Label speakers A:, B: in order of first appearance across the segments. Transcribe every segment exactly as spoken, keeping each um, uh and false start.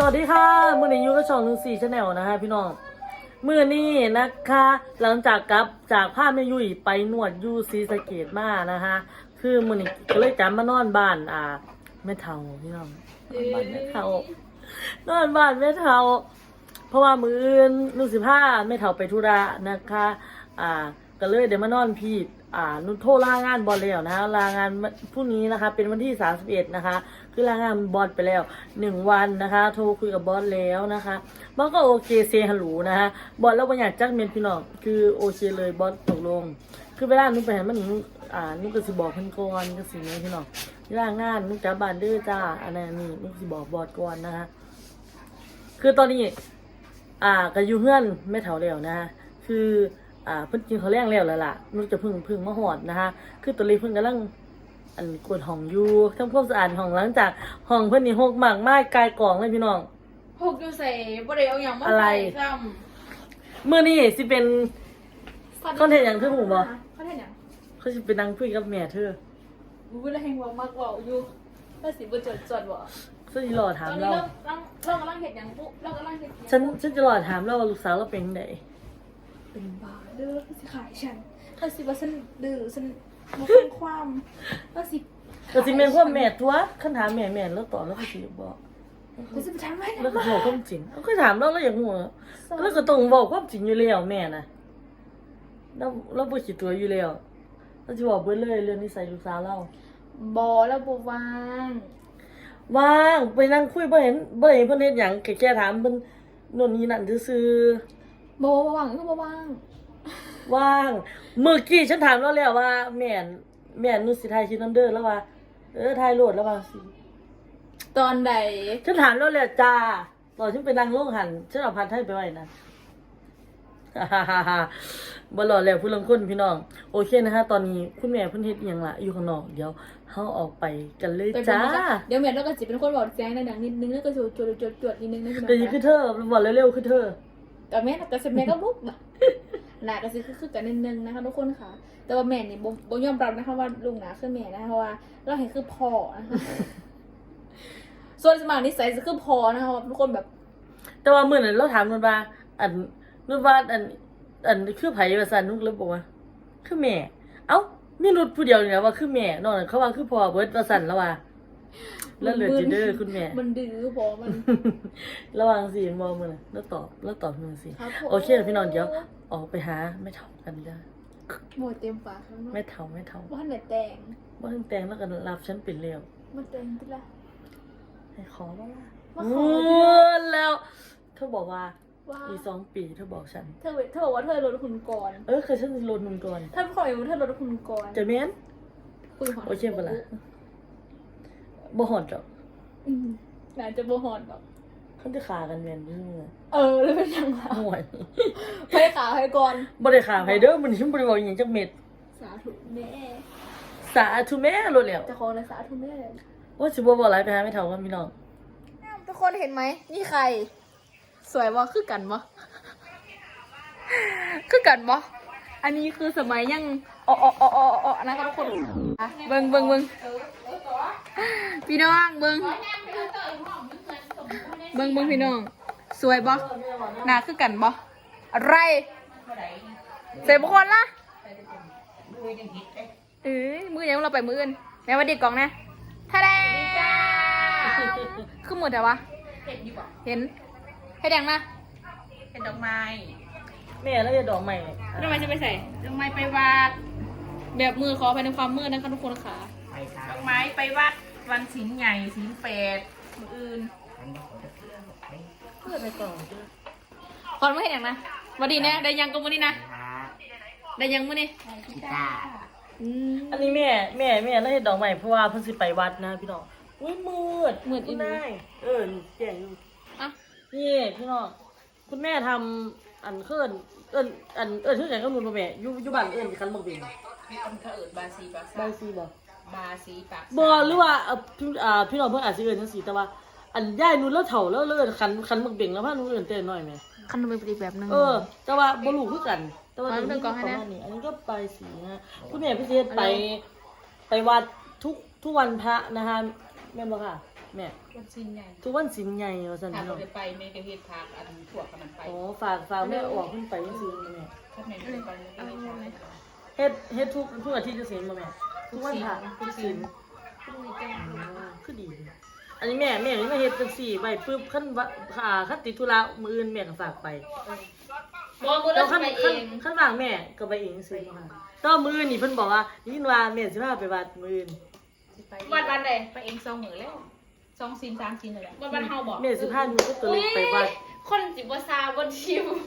A: วัสดีค่ะมื่อนี้ยูก็ช่องหนึ่งสี่ชาแนลนะคะพี่น้องมื่อนี้นะคะหลังจากกลับจากผ้าแม่ยุ้ยไปนวดยูซีสะเกตมานะคะคือมื่อนี้ก็เลยจำมานอนบ้านอ่าแม่เฒ่าพี่น้องบ้านแม่เฒ่านอนบ้านแม่เฒ่าเพราะว่ามืออื่นนุ่นสิผ้าแม่เฒ่าไปธุระนะคะอ่าก็เลยเดี๋ยวมานอนพี่อ่านุ่นโทรลางานบอลแล้วนะลางานพรุ่งนี้นะคะเป็นวันที่สามสิบเอ็ดนะคะคือลางานบอลไปแล้วหนึ่งวันนะคะโทรคุยกับบอสแล้วนะคะบอสก็โอเคเซฮัลโหลนะคะบอสแล้วบางอย่างจักเมนพี่น้องคือโอเคเลยบอสตกลงคือเวลานุ่นไปเห็นมันนุ่นอ่านุ่นก็สิบอกเพิ่นก่อนก็สิเนี่ยพี่น้องเวลางานนุ่นจับบานเด้อจ้าอันนั้นนี่นุ่นสิบอกบอสก่อนนะคะคือตอนนี้อ่าก็อยู่เพื่อนไม่เฒ่าแล้วนะคะคืออ่าเพิ่นกินเขาวแรงแล้วแล้วล่ะนุ่นจะพึ่งพึ่งมาหอดนะคะคือตัวเล็กเพิ่นกำลังอันกวดห้องอยู่ทำความสะอาดห้องหลังจากห้องเพิ่นนี่หกมากมากกายกล่องเลยพี่น้อง
B: หกอยู่ใส่บ่ได้เอาหยังมาใส่ซ้ำ
A: มื้อนี้สิเป็นคอนเทนต์หยังคือหมู่บ่
B: คอนเทนต์หยัง
A: เขาสิเป็นนั่งคุยกับแม่เธอ
B: อู้แล้วแฮงว่ามากเว้าอยู่แล้วสิบ่จดจดบ่
A: ซึ่งรอถามเรา
B: เราเรากำลังเฮ็ดหยังปุ๊เรากำลังเฮ็ด
A: ฉันฉันจะรอถามเราว่าลูกสาวเราเป็นจังได๋
B: เป็นบ้าเด้อสิขายฉันถ้าสิว่าฉันดื้อฉันบ่ฟังความว่าสิ
A: ก็สิแม่นความแม่ตัวคันถามแม่แม่แล้วตอบแล้วก็สิบอก
B: ก็สิไปถามแม่
A: แล้วก็บอกความจริงเอาก็ถามเราแล้วอยากฮู้แล้วก็ต้องบอกความจริงอยู่แล้วแม่น่ะเราเราบ่คิดตัวอยู่แล้วเราสิบอกเบิดเลยเรื่องนิสัยลูกสาวเรา
B: บ่แล้วบ่ว่าง
A: ว่างไปนั่งคุยบ่เห็นบ่เห็นเพิ่นเฮ็ดหยังแค่แค่ถามเพิ่นโน่นนี่นั่นซื่อ
B: ๆบ่ว่างก็บ่ว่าง
A: ว่างเมื่อกี้ฉันถามแล้วแล้วว่าแม่นแม่นนุสิถ่ายคลิปนำเด้อแล้วว่าเออถ่ายโหลดแล้วว่าสิ
B: ตอนใด
A: ฉันถามแล้วแล้วจ้าตอนฉันไปนั่งโรงหันฉันเอาพัดให้ไปไว้นะบ่รอแล้วผู้ลางคนพี่น้องโอเคนะคะตอนนี้คุณแม่เพิ่นเฮ็ดอีหยังล่ะอยู่ข้างนอกเดี๋ยวเฮาออกไปกันเลยจ้า
B: เดี๋ยวแม่เราก็สิเป็นคนบอกแจ้งดังๆนิดนึงแล้วก็จดจดๆๆนิดนึงนะพี่น้อง
A: ก็คือเธอบอกเร็วๆคือเธอ
B: กับแม่กับแม่ก็บุ๊กหนาก็สิคือกันนิดนึงนะคะทุกคนค่ะแต่ว่าแม่นี่บ่ยอมรับนะคะว่าลุงหนาคือแม่นะคะเพราะว่าเราเห็นคือพ่อนะคะส่วนสมัครนิสัยจะคือพ่อนะคะทุกคนแบบ
A: แต่ว่ามื้อนั้นเราถามมันว่าอันนู่นว่าอันอันคือไผว่าซั่นนุกเลยบอกว่าคือแม่เอ้ามีนุชผู้เดียวนี่นะว่าคือแม่นอกนั้นเขาว่าคือพ่อเบิดว่าซั่นแล้วว่าแล้วเหลือจิเด้อคุณแม่
B: มันดื้อพอมัน
A: ระวังสิมองมื้อน่ะแล้วตอบแล้วตอบมึงสิโอเคพี่น้องเดี๋ยวออกไปหาแม่เฒ่ากันจ้ะ
B: หมดเต็มปากแล้ว
A: แม่เฒ่าแม่เฒ่า
B: บ่ทันได้แต่ง
A: บ่ทันแต่งแล้วก็รับฉันเป็นแล้ว
B: บ่แต่งติล่ะ
A: ให้ขอบ่ล่ะ
B: มาขอ
A: แล้วเธอบอกว่า
B: ว่า
A: อีกสองปีเธอบอกฉัน
B: เธอเธอบอกว่าเธอลดคุณก่อน
A: เออเคยฉันลดคุณก่อน
B: ถ้าขออยู่เธอลดคุณก่อน
A: จะแม่น
B: คุยหอด
A: โอเคบ่ล่ะบ่หอดดอก
B: อืมน่าจะบ่หอดดอก
A: เขาจะขากันแม่นซื่อ
B: เออแล้วเป็นยังไง
A: ห่วย
B: ให้ขาให้ก่อน
A: บ่ได้ขาให้เด้อมื้อนี้ฉันบ่ได้บอกอีหยังจักเม็ด
B: สาธุแม่
A: สาธุแม่โลดแล้ว
B: จะขอเลยสาธุแม่
A: ว่าสิบ่บอกหลายไปหาแม่เฒ่ากันพี่น้อง
B: ทุกคนเห็นไหมนี่ใครสวยบ่คือกันบ่คือกันบ่อันนี้คือสมัยยังอ๋ออ๋ออ๋ออ๋อนะครับทุกคนเบิ่งเบิ่งเบิ่งพี่น้องเบิ่งเบิ่งเบิ่งพี่น้องสวยบ่หน้าคือกันบ่อะไรเสร็จบุคคลละเอ้ยมือยังเราไปมืออื่นแม่ว่าดีกล่องนะท่าแดงคือหมดแต่วะเห็นให้แดงนะ
C: เห็นดอกไม้
A: แม่แล้วจะดอกไม้
B: ดอกไม้จะไปใส่ดอกไม้ไปวาดแบบมือขอภายในความมืดนะคะทุกคนค่ะ
C: ดอกไม้ไปวัดวันศีลใหญ่ศีลแปดมืออื่น
A: เพื่อไปต่อ
B: คอนไม่เห็นอย่างนะวันดีนะได้ยังก็มือนี่นะได้ยังมือนี่
A: อันนี้แม่แม่แม่แล้วเห็นดอกไม้เพราะว่าเพิ่นสิไปวัดนะพี่น้องอุ้ยมืด
B: มืดอีก
A: ได้เออแจ้งอยู่
B: อ่ะ
A: นี่พี่น้องคุณแม่ทำอันเคลื่อนเอิ้นอันเอิ้นชื่อไหนก็รู้บ่แม่อยู่อยู่บ้านเอิ้นคันบ่เป็น
C: มีคนเขาเอิ้นบาซีปาก
A: บาซีบ่
C: บาซีปาก
A: บ่หรือว่าเอ่อพี่อ่าพี่น้องเพิ่นอาจสิเอิ้นจังซี่แต่ว่าอันย่ายนู่นแล้วเฒ่าแล้วเอิ้นคันคันบ่เบ่งแล้วพาหนูเอิ้นแต่น้อยแม่
B: คันเป็นอีกแบบนึง
A: เออแต่ว่าบ่รู้คือกันแต่ว่าเรื่องประมาณนี้อันนี้ก็ไปสีนะคุณแม่พี่เฮ็ดไปไปวัดทุกทุกวันพระนะคะแม่นบ่ค่ะแม่
C: วันสินใหญ่
A: ทุกวันสินใหญ่ว่าซั่น
C: ถ้า
A: พี่
C: เรา
A: น้อง
C: ได้ไปแม่ก็เฮ็ดพากอันพวกกับมันไป
A: อ๋อฝากฝากแม่ออกขึ้นไปซื้อแม่
C: ถ้าแม่ไม่ได้ไปแม่ก็เฮ็ดพาก
A: เฮ็ดเฮ็ดทุกทุกอาทิตย์จะสินบ่แม่ทุกวันพระทุกศีล
C: พรุ่งนี้แจ้ง
A: คือดี อันนี้แม่แม่นี่มาเฮ็ดจังซี่ไว้ปึ๊บคันว่าอ่าคันติดธุระมื้ออื่นแม่ก็ฝากไป
B: บ่มื้อ
A: แล้
B: เรา
A: วคัน
B: ไปเอ
A: คัน
B: ง
A: คันว่างแม่ก็ไปเองซื้อมาก็มื้ออื่นนี่เพิ่นบอกว่ายินว่าแม่สิพาไปวัดมื้ออื่น
C: สิไป
B: วันวันใด
C: ไปเองสองมื้อแล้วสองสินสามสินนั่นแหละ
B: วันวันเฮาบ่
A: แม่สิพาหนูกับตัวเล็กไปวัด
B: คนสิบ่ซาบ่ชิว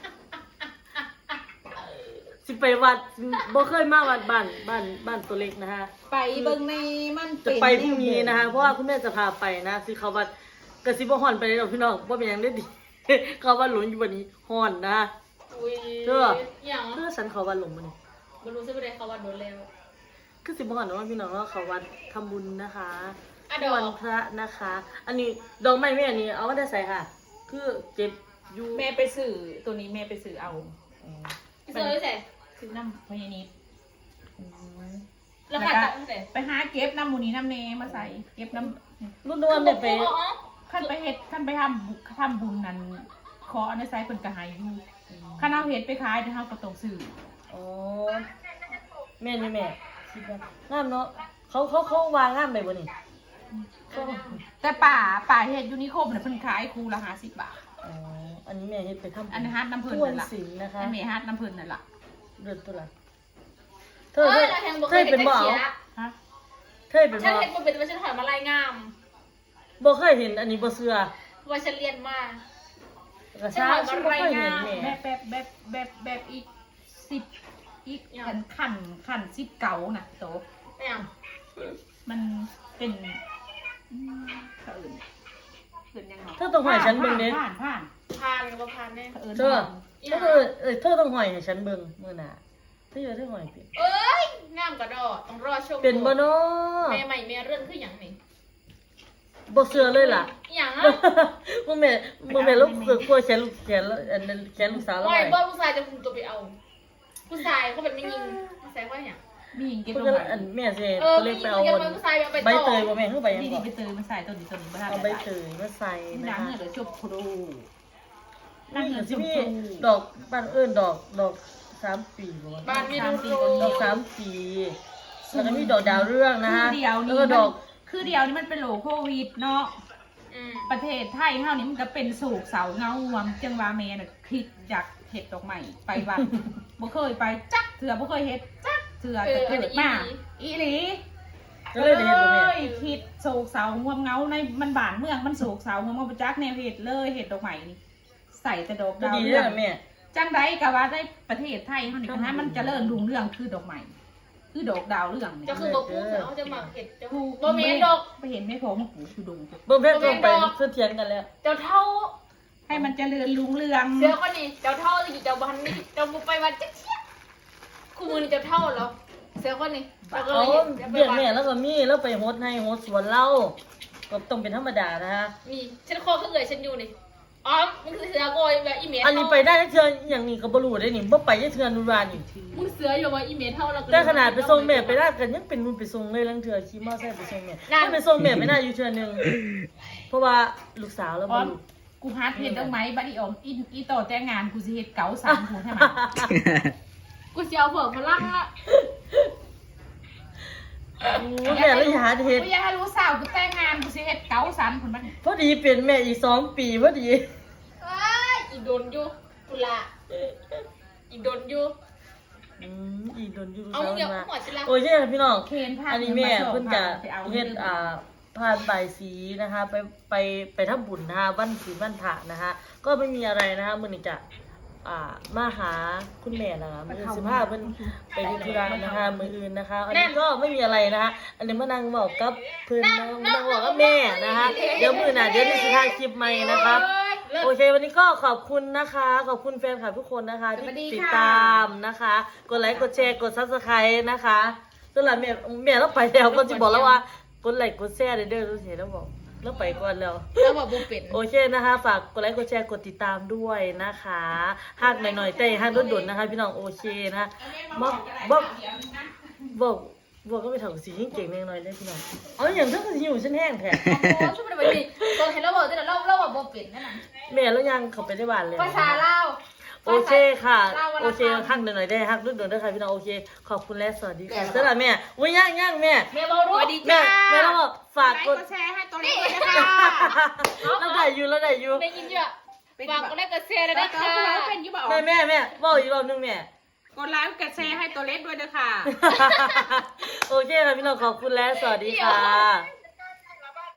A: สิไปวัดบ่เคยมาวัดบ้านบ้านบ้านตัวเล็กนะฮะ
C: ไปเบิ่งในมัน
A: จะไปพรุ่งนี้นะคะเพราะว่าคุณแม่จะพาไปนะสิเขาวัดกระซิบว่าฮ้อนไปเลยดอกพี่น้องว่าเป็นหยังได้ดี เขาวัดหลงอยู่วันนี้ฮ้อนนะ
B: อุ้ย
A: เด้อ
B: หยัง
A: เพื่อฉันเขาวัดหลงมัน
B: บ่รู้สึกบ่ได้เขาว่าโดนแล้ว
A: คือสิบ่ฮ้อนเนาะพี่น้องว่าเขาวัดทำบุญนะคะ
B: อ่ะดอก
A: วันพระนะคะ อันนี้ดอกไม้แม่อันนี้เอามาได้ใส่ค่ะ คือเก็บอยู่
C: แม่ไปซื้อตัวนี้แม่ไปซื้อเอา
A: อ๋อ
B: เสื้อใส่
C: ซื้อน้ำพญานิด
A: อืม
B: แล้วค่ะตั้งแต่
C: ไปหาเก็บน้ำหมูนี้น้ำเนมาใส่เก็บน้
A: รุ่นนวลเนี่ยไป
C: ำขั้นไปเฮ็ดขั้นไปทำบุทำบุญนั้นขออันในไซส์เพิ่นก็ใหายอยู่ขั้นเอาเฮ็ดไปขายเดี๋ยวเฮาก็ต้องซื้อ
A: อ๋อแม่นี่แม่คิดว่างามเนาะเขาเขาเขาวางงามไปบ่นี่เขา
C: แต่ป่าป่าเฮ็ดอยู่นิคมน่ะเพิ่นขายคู่ละห้าสิบบาท
A: อ๋ออันนี้แม่เฮ็ดไปทำบุญ
C: อันฮัดน้ำเพิ่น
A: ทวน
C: นั่นล่ะ
A: ศีลนะคะ
C: อันนี้ฮัดน้ำเพิ่นนั่นล่ะ
A: เดือดตัวละเธ
B: เอ
A: อ
B: อ
A: เธอ
B: เราแทงบ่
A: เธ
B: เค
A: อย
B: เห็
A: เป็น น
B: จั
A: บ่
B: ก
A: เอา
B: เสีย
C: ฮะ
A: เธอเป็น
B: ฉัน
A: บ่
B: เห็นบ่เป็นว่าฉันถอยมาลายงาม
A: บ่เคยเห็นอันนี้บ่เชื่อ
B: ว่าฉันเรียนมา
A: กระชาฉันบ่เคยเห็นแม่
C: แบบแบบแบบแบบแบบอีกสิบอีกขันขันขันสิบเก่าน่ะโต
B: ไม่เอา
C: มันเป็นอืมเขาอื่นเอื่นยังไง
A: เธอต้องหอยฉันเบิ่งเด้
C: ผ่านผ่าน
B: พานก็พานแน่
C: เขาอื่น
A: เธอเธอเออเออเธอต้องหอยให้ฉันเบิ่งมื้อหน้าเธออยู่เธอหอยเป็น
B: เอ้ยงามกระดอต้องรอชม
A: เป็นบ่เนาะ
B: แม่ใหม่แม่เรื่องคือหยังนี่
A: บ่เชื่อเลยล่ะ
B: หยังอ่ะ
A: บ่แม่บ่แม่ลูกเสือกลัวแขนลูกแขนแล้วอันนั้นแขนลูกสาวแล้ว
B: ว่า
A: ไง
B: ไอ้บ่ผู้ชายจะคุมตัวไปเอา ผู้ชายเขาเป็นไม่ยิงผู้ชายว่าหยัง
C: มีหญิงเก็บ
A: เพิ่น
C: ลง
A: ก็
C: มา
A: อันแม่สิ
B: เออ
A: ตัวเล็กไปเอา
B: ยั
A: บ
B: ง
A: น
B: ไม่ผู้ชายเอาไป
A: ใบ
B: ต่อ
A: เตยบ่แม่คือใบหยัง
C: นี่
A: ก่
C: ดี
A: อน
C: ไปเตยมาใส่ตัวนี้ตัวนี้มาทำ
A: เอาใบเตยมาใส่
C: นี่
A: นะ
C: นาง
A: คะ
C: เนี่ยเดี๋ยวจบครู
A: นี่ก็สิมีดอกบ้านเอิ้นดอกดอกสามปีบ่วะ
B: บ้านมีดู
A: ดอกสามปีแล้วก็มีดอกดาวเรืองนะ
C: คือ
A: ฮะ
C: เดียว
A: แล้ว
C: นี่
A: ก็ดอก
C: คือเดียวนี่มันเป็นโหลโควิดเนาะ
B: อืม
C: ประเทศไทยเฮานี่มันก็เป็นสูกเสาเงาวมจังว่าแม่น่ะคิดอยากเฮ็ดดอกไม้ไปวัด บ่เคยไปจักเถื่อบ่เคยเฮ็ดจักเถื่อแต่เกิดมาอีหลี
A: ก็เลยได้เฮ็ดบ่แม่
C: อ้ยคิดโศกเสางวมเงาในมันบ้านเมืองมันโศกเสางวมเงาบ่จักแนวเฮ็ดเลยเฮ็ดดอกไม้นี่ใส่แต่ดอก
A: ก็
C: ดาว
A: ดี
C: เรื
A: เด้
C: อง
A: อแม่
C: จังไดก็ว่าได้ประเทศไทยเฮานี่ก็ให้มันเจริญรุ่งเรืองคือดอกไม้คือดอกดาวเรืองนี่
B: จะคือบ่พูดเขาจะมาเห็ดเจ้า
C: ถูก
B: บ่แม่นดอก
C: ไปเห็นไม่พอมาปลูกอยู่ดง
A: เบิ่งเพชรต้องไปเพื่อเถียงกันแล้ว
B: เจ้าเท่า
C: ให้มันเจริญรุ่งเรือง
B: เสือคนนี้เจ้าเท่าอยู่เจ้าบ้านนี่เจ้าบ่ไปวัดจักเที่ยคู่มือนี่เจ้าเท่าแล้วเสือคนนี้เจ้าก็
A: เอา
B: เลยจะไป
A: เบี้ย
B: วัด
A: แม่แล้วก็มีแล้วไปโฮดให้โฮดสวนเล่าก็ต้องเป็นธรรมดานะฮะ
B: มีฉันคอคือเอ่ยฉันอยู่นี่อ๋อมึงคือเสือโกยแบบอีเมล
A: อันนี้ไปได้เทื่ออย่างนี้ก็บ่รู้ได้นี่บ่ไปได้เทื่อนุรานี่
B: มึงเสืออยู่ว่าอีเมลเท่าเรา
A: แต่ขนาดไปส่งแม่ไปได้กันยังเป็นรุ่นไปส่งเลยลังเทื่อขี่มอไซค์ไปส่งแม่ถ้าไปส่งแม่ไม่น่าอยู่เทื่อนึงเพราะว่าลูกสาวแล้ว
C: อ๋
A: บ่
C: อ
A: รู้
C: กูฮาร์ดเฮ็ดดอกไม้บัดนี้ออกอีอีต่อแต่งงานกูสิเฮ็ดเก๋าสามหูให้มัน
B: กูจะเอาเผื่อพลังละ
A: โอ้แม่เลยหาเฮ็ด
C: กูอยากให้รู้สาวกูแต่งงานกูสิเฮ็ดเก๋าสามคนมัน
A: พอดีเป็นแม่อีกสองปีพอดี
B: เอ้ยอีโดนอยู่กุละอีโดนอยู่
A: อืมอีโดนอยู่
B: เอา
A: สาว
B: เดี๋ยว
A: มา
B: หัวจิละ
A: โอ้ยเฮ้ยพี่น้อง
C: เคนพา
A: อันนี้แม่เพิ่นจะ
C: ไปเอา
A: เฮ็ดอ่าผ่านใบายสีนะคะ ไปไปไปทำบุญนะคะวันศีลวันพระนะคะ ก็ไม่มีอะไรนะคะมื้อนี้จะอ่ามาหาคุณแม่นะคะมื้อสิบห้าเพิ่นไปเฮ็ดธุระนะคะมื้ออื่นนะคะ อันนี้ก็ไม่มีอะไรนะคะ อันนี้มานั่งเว้ากับเพิ่นนะมานั่งเว้ากับแม่นะคะ เดี๋ยวมื้อหน้าเดี๋ยวนี่สิถ่ายคลิปใหม่นะครับ โอเควันนี้ก็ขอบคุณนะคะ ขอบคุณแฟนคลับทุกคนนะคะ ที่ติดตามนะคะ กดไลค์กดแชร์กดซับสไครต์นะคะสำหรับแม่แม่เราไปแล้วก็จะบอกแล้วว่ากดไลค์กดแชร์เด้อเด้อรู้เสียแล้วบอกแล้วไปก่อนแล้ว
B: แล้วบอกบุเป็น
A: โอเคนะคะ ฝากกดไลค์กดแชร์กดติดตามด้วยนะคะหากหน่อยๆแต่หากด่วนๆนะคะ พี่น้องโอเคนะคะบอกบอกบอกบัวก็ไปเถาสียิ่งเก่งเองหน่อยได้พี่น้องเอาอย่างเท่ากับหิวฉันแห้งแท้
B: โอ้ช่วยไปดิตอนเห็นเราบอกแต่เราเราบอกบ่เป็นนั่นน่ะ
A: แม่แล้วยังเขาไปได้บ้านเลย
B: ภาษาลาว
A: โอเคค่ะโอเคฮักหน่อยได้ฮักด้วยหน่อยได้ค่ะพี่น้องโอเคขอบคุณและสวัสดีค่ะสำหรับแม่อุ้ยย่างย่างแม่
B: แม่บ่รู้
C: สวัสดี
A: แม่
C: จ้า
A: แม่ต้องฝาก
C: ไล
A: ก
C: ค์
A: ด
C: กดแชร์ให้ตัวเล็กด้วยนะคะ
A: แล้วได้อยู่แล้วได้อยู่
B: ได้ยินอยู่ฝากกดไลค์กดแชร์เลย
C: แล้
B: นะ
C: วก็
B: คะ
C: คุณเราเป็นอยุบออก
A: แม่แม่แม่บอกอีกรอบนึงแม่
C: กดไลค์กดแชร์ให้ตัวเล็กด้วยนะคะ
A: โอเคค่ะพี่น้องขอบคุณและสวัสดีค่ะ